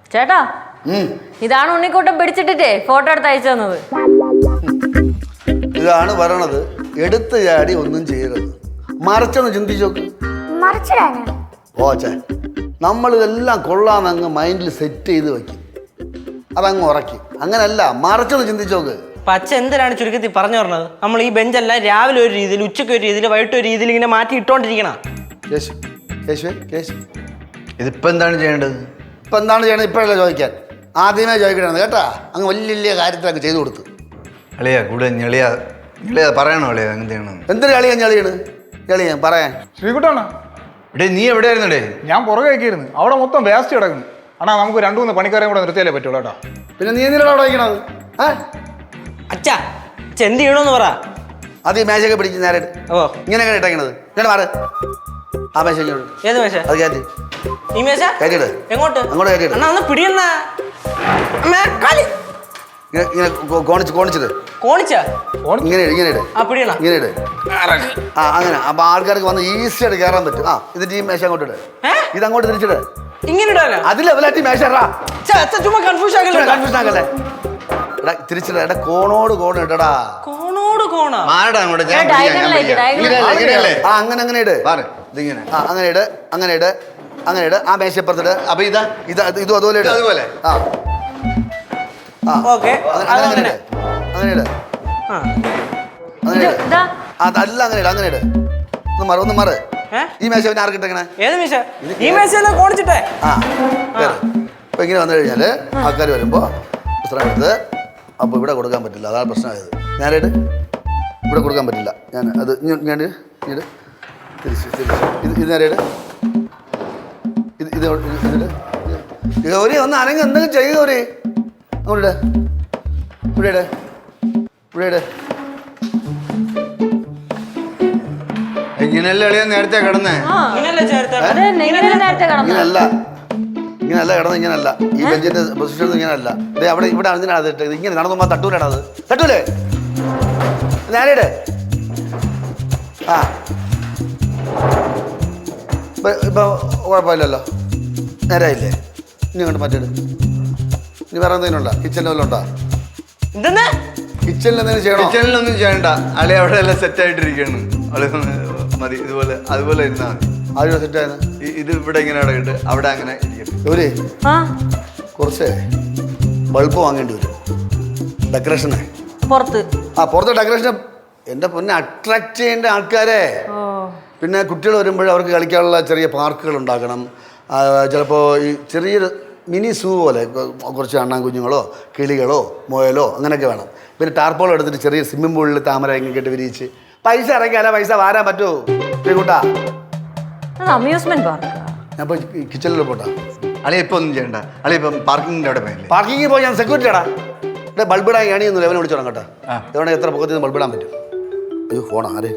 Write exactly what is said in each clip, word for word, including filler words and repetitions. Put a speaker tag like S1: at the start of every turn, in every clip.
S1: ചേട്ടാ ഇതാണ് ഉണ്ണിക്കൂട്ടം പിടിച്ചിട്ടിട്ടേ ഫോട്ടോ എടുത്ത് അയച്ചു തന്നത്.
S2: ഇതാണ് പറയണത്, എടുത്ത് ചാടി ഒന്നും ചെയ്യരുത്, മറിച്ചൊന്ന് ചിന്തിച്ചോക്ക്. ഓച്ചേ, നമ്മളിതെല്ലാം കൊള്ളാന്നങ്ങ് മൈൻഡിൽ സെറ്റ് ചെയ്ത് വെക്കും, അതങ്ങ് ഉറക്കി. അങ്ങനല്ല, മറിച്ചൊന്ന് ചിന്തിച്ചോക്ക്.
S3: പച്ച എന്തിനാണ് ചുരുക്കത്തിൽ പറഞ്ഞു പറഞ്ഞത്? നമ്മൾ ഈ ബെഞ്ചെല്ലാം രാവിലെ ഒരു രീതിയിൽ, ഉച്ചയ്ക്ക് ഒരു രീതിയിൽ, വൈകിട്ട് ഒരു രീതിയിൽ ഇങ്ങനെ മാറ്റി ഇട്ടോണ്ടിരിക്കണം.
S2: കേശു കേശുവേ കേശു,
S4: ഇതിപ്പോ എന്താണ് ചെയ്യേണ്ടത്?
S2: ഇപ്പം എന്താണ് ചെയ്യണത് ഇപ്പോഴല്ല ചോദിക്കാൻ, ആദ്യമേ ചോദിക്കണത് കേട്ടാ. അങ്ങ് വലിയ വലിയ കാര്യത്തിലൊക്കെ ചെയ്തു കൊടുത്തു.
S4: അളിയാ കൂടെ ഞെളിയാ ഞെളിയാ പറയണോ അളിയാ എന്ത് ചെയ്യണം?
S2: എന്തൊരു കളിയാ ഞെളിയാണ് ഞെളിയാൻ പറയാൻ.
S5: ശ്രീകുട്ടാണ്
S4: എടേ നീ എവിടെയായിരുന്നടേ?
S5: ഞാൻ പുറകെ ആക്കിയിരുന്നു, അവിടെ മൊത്തം വേസ്റ്റ് കിടക്കുന്നു. അണ്ണാ നമുക്ക് രണ്ടു മൂന്ന് പണിക്കാരെയും കൂടെ നിർത്തിയാലേ പറ്റുള്ളൂ കേട്ടോ.
S2: പിന്നെ നീ എന്തിനാണ് അവിടെ വയ്ക്കണത്? ഏ
S3: അച്ഛാ എന്ത് ചെയ്യണമെന്ന് പറ.
S2: അത് ഈ മേശയൊക്കെ പിടിച്ച് നേരെ
S3: ഓ
S2: ഇങ്ങനെയൊക്കെ ഇട്ടേക്കണത്. ഇങ്ങനെ മാറ്, ആ മേശ ഇങ്ങോട്ട്.
S3: ഏത് മേശ?
S2: അത് കയറ്റി
S3: ഈ മേശ
S2: കയറ്റിയിട്.
S3: എങ്ങോട്ട്?
S2: അങ്ങോട്ട് കയറ്റിയിട്.
S3: അണ്ണാ ഒന്ന് പിടിയണ്ണ.
S2: ഇങ്ങനെ ഇങ്ങനെ കോണിച്ച് കോണിച്ചിട്ട്
S3: കോണിച്ചാ
S2: ഇങ്ങനെ ഇട്, ഇങ്ങനെ ഇട്,
S3: ആ പിടിയണ
S2: ഇങ്ങനെ ഇട്. ആ അങ്ങനെ അപ്പൊ ആൾക്കാർക്ക് വന്ന് ഈസി ആയിട്ട് കയറാൻ പറ്റും. ആ ഇത് ഈ മേശ അങ്ങോട്ട് ഇട്, ഇത് അങ്ങോട്ട് തിരിച്ചിട്.
S3: ഇങ്ങനെ ഇടാനാ?
S2: അത് ലെവലായിട്ട് മേശ
S3: ചുമ്മാ കൺഫ്യൂഷൻ ആക്കല്ലേ.
S2: കൺഫ്യൂഷൻ ആക്കല്ലേ. എടാ തിരിച്ചിട, എടാ കോണോട് കോണ് ഇടടാ.
S3: കോണോട് കോണാ?
S4: മാറടാ അങ്ങോട്ട്. ഞാൻ
S1: ഡയഗണലായിട്ട് ഡയഗണൽ.
S2: ആ അങ്ങനെ അങ്ങനെ ഇട്.
S4: ഇതിങ്ങനെ
S2: ആ അങ്ങനെ ഇട്, അങ്ങനെ ഇട്, അങ്ങനെ ഇട്. ആ മേശപ്പുറത്തിട്.
S4: അപ്പൊ ഇതാ
S2: ഇത് ഇതും അതുപോലെ ഇട്.
S4: അതുപോലെ
S2: ആ ആ
S3: ഓക്കെ
S2: അങ്ങനെ അങ്ങനെ ഇട്, അങ്ങനെ ഇട്,
S3: ആ
S2: അങ്ങനെ ഇട്.
S1: ഇതാ
S2: അതല്ല അങ്ങനെ ഇട്, അങ്ങനെ ഇട്. ഒന്ന് മാറ്, ഒന്ന് മാറ്. ഈ മേശ പിന്നെ ആർക്കിട്ടെങ്ങനെ?
S3: ഏത് മേശ? ഈ മേശ കോണിച്ചിട്ടേ.
S2: ആ കേറ്. അപ്പൊ ഇങ്ങനെ വന്നു കഴിഞ്ഞാല് ആൾക്കാർ വരുമ്പോ പുസ്തകം എടുത്ത്, അപ്പൊ ഇവിടെ കൊടുക്കാൻ പറ്റില്ല, അതാണ് പ്രശ്നമായത്. ഞാനായിട്ട് ഇവിടെ കൊടുക്കാൻ പറ്റില്ല. ഞാൻ അത് ഞാൻ ഇങ്ങോട്ട് തിരിച്ച് തിരിച്ച് ഇത് ഇത് നേരെയിട്ട് ഇത് ഇത് ഇതിട്ട് ഗൗരി ഒന്ന് അനങ്ങ് എന്തെങ്കിലും ചെയ്യുക ഗൗരി. അങ്ങോട്ട് ഇവിടെ ഇട്, ഇവിടെ ഇട്.
S4: ഇങ്ങനെയല്ലേ അളിയാ നേരത്തെ കിടന്നേ?
S1: നേരത്തെ കടന്നു.
S2: ഇങ്ങനല്ല, ഇങ്ങനല്ല കിടന്ന്, ഇങ്ങനല്ല. ഈ ബെഞ്ചിന്റെ പൊസിഷൻ ഇങ്ങനല്ല. ഇതേ അവിടെ ഇവിടെ അതിനാണ് അത് ഇട്ടത്. ഇങ്ങനെ നടന്നു തട്ടൂലാണ് അത്. തട്ടൂലേ? നേരെയിട്. ആ ഇപ്പൊ ഇപ്പൊ കുഴപ്പമില്ലല്ലോ, നേരായില്ലേ? ഇനി അങ്ങോട്ട് മറ്റേട്. ഇനി വേറെ എന്തെങ്കിലും ഉണ്ടോ? കിച്ചണിൽ വല്ലതും ഉണ്ടോ?
S3: എന്തെന്നാ
S2: കിച്ചണിൽ എന്തെങ്കിലും ചെയ്യണോ?
S4: കിച്ചണിലൊന്നും ചെയ്യണ്ട, അളി അവിടെ എല്ലാം സെറ്റ് ആയിട്ടിരിക്കുകയാണ്. അളി മതി, ഇതുപോലെ അതുപോലെ ഇരുന്നാ മതി.
S2: ആദ്യം സെറ്റായത്
S4: ഇത് ഇവിടെ ഇങ്ങനെ ഇടയിട്ട് അവിടെ അങ്ങനെ ഇരിക്കട്ടെ.
S2: ഒരു
S1: ആ
S2: കുറച്ച് ബൾബ് വാങ്ങേണ്ടി വരും ഡെക്കറേഷനെ.
S1: പുറത്ത്
S2: ആ പുറത്തെ ഡെക്കറേഷൻ എൻ്റെ പൊന്നെ അട്രാക്ട് ചെയ്യേണ്ട ആൾക്കാരെ. പിന്നെ കുട്ടികൾ വരുമ്പോൾ അവർക്ക് കളിക്കാനുള്ള ചെറിയ പാർക്കുകൾ ഉണ്ടാക്കണം. ചിലപ്പോൾ ഈ ചെറിയൊരു മിനി സൂ പോലെ കുറച്ച് അണ്ണാൻ കുഞ്ഞുങ്ങളോ കിളികളോ മുയലോ അങ്ങനെയൊക്കെ വേണം. പിന്നെ ടാർപ്പോൾ എടുത്തിട്ട് ചെറിയ സ്വിമ്മിംഗ് പൂളിൽ താമര ഇങ്ങനെ കെട്ടി വിരിയിച്ച് പൈസ ഇറക്കിയാലേ പൈസ വാരാൻ പറ്റുമോ കൂട്ടാ?
S1: Amusement park.
S2: ഞാൻ ഇപ്പോൾ കിച്ചണിൽ പോട്ടാ.
S4: അളിയ ഇപ്പൊ ഒന്നും ചെയ്യണ്ട, അളിയ ഇപ്പം പാർക്കിങ്ങിന്റെ അവിടെ പോയില്ലേ?
S2: പാർക്കിങ്ങിൽ പോയി ഞാൻ സെക്യൂരിറ്റി ആടാ. ഇവിടെ ബൾബിടാൻ ഏണിയൊന്നും ലെവനെ വിളിച്ചോളാം കേട്ടോ. എവിടെ എത്ര പൊക്കത്തിൽ നിന്ന് ബൾബിടാൻ പറ്റും? അയ്യോ ഫോണാ ആര്?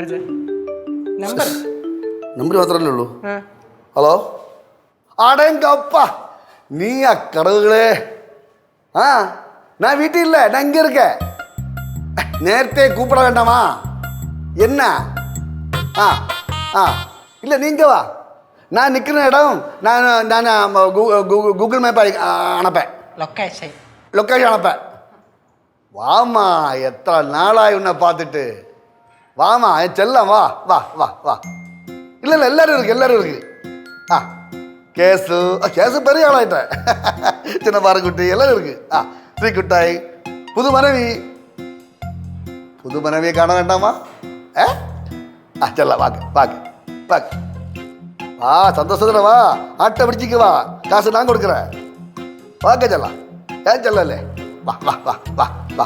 S2: നമ്പർ മാത്രമല്ലേ ഉള്ളൂ. ഹലോ അടങ്കപ്പ നീ ആ കടവുകളെ. ആ ഞാൻ വീട്ടിലില്ല, ഞാൻ ഇങ്ങ இருக்க. നേരത്തെ கூப்பிட வேண்டாமா என்ன? ஆ ஆ இல்லை நீங்கள் வா, நான் நிற்கிற இடம் நான் நான் கூகுள் மேப் அனுப்பேன்,
S3: ലൊക്കേഷൻ
S2: லொக்கேஷன் அனுப்பேன். வாமா, எத்தனை நாளாய் உன்னை பார்த்துட்டு. வாமா என் செல்லம், வா வா வா வா. இல்லை இல்லை எல்லாரும் இருக்கு, எல்லாரும் இருக்கு. ஆ கேஸு கேஸு பெரிய ஆளாயிட்டேன். சின்ன பாறைக்குட்டி எல்லாரும் இருக்கு. ஆ ஸ்ரீகுட்டாய் புது மனைவி. புது மனைவியை காண வேண்டாமா? ஏ ஆ செல்ல வாங்க வாங்க வாங்க. வா சந்தோஷத்துல வா, ஆட்டை பிடிச்சிக்கு வா, காசு நான் கொடுக்குறேன். வாங்க செல்லாம், ஏன் செல்லலே? வா வா வா வா வா.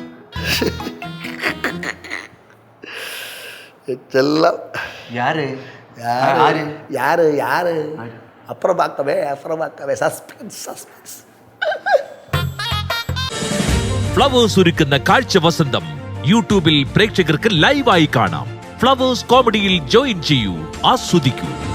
S2: செல்லம்
S4: யாரு
S2: யாரு யாரு யாரு? அப்புறம் பார்க்கவே அப்புறம் பார்க்கவே. Suspense suspense.
S6: ഫ്ലവേഴ്സ് ഒരുക്കുന്ന കാഴ്ച വസന്തം യൂട്യൂബിൽ പ്രേക്ഷകർക്ക് ലൈവായി കാണാം. ഫ്ലവേഴ്സ് കോമഡിയിൽ ജോയിൻ ചെയ്യൂ, ആസ്വദിക്കൂ.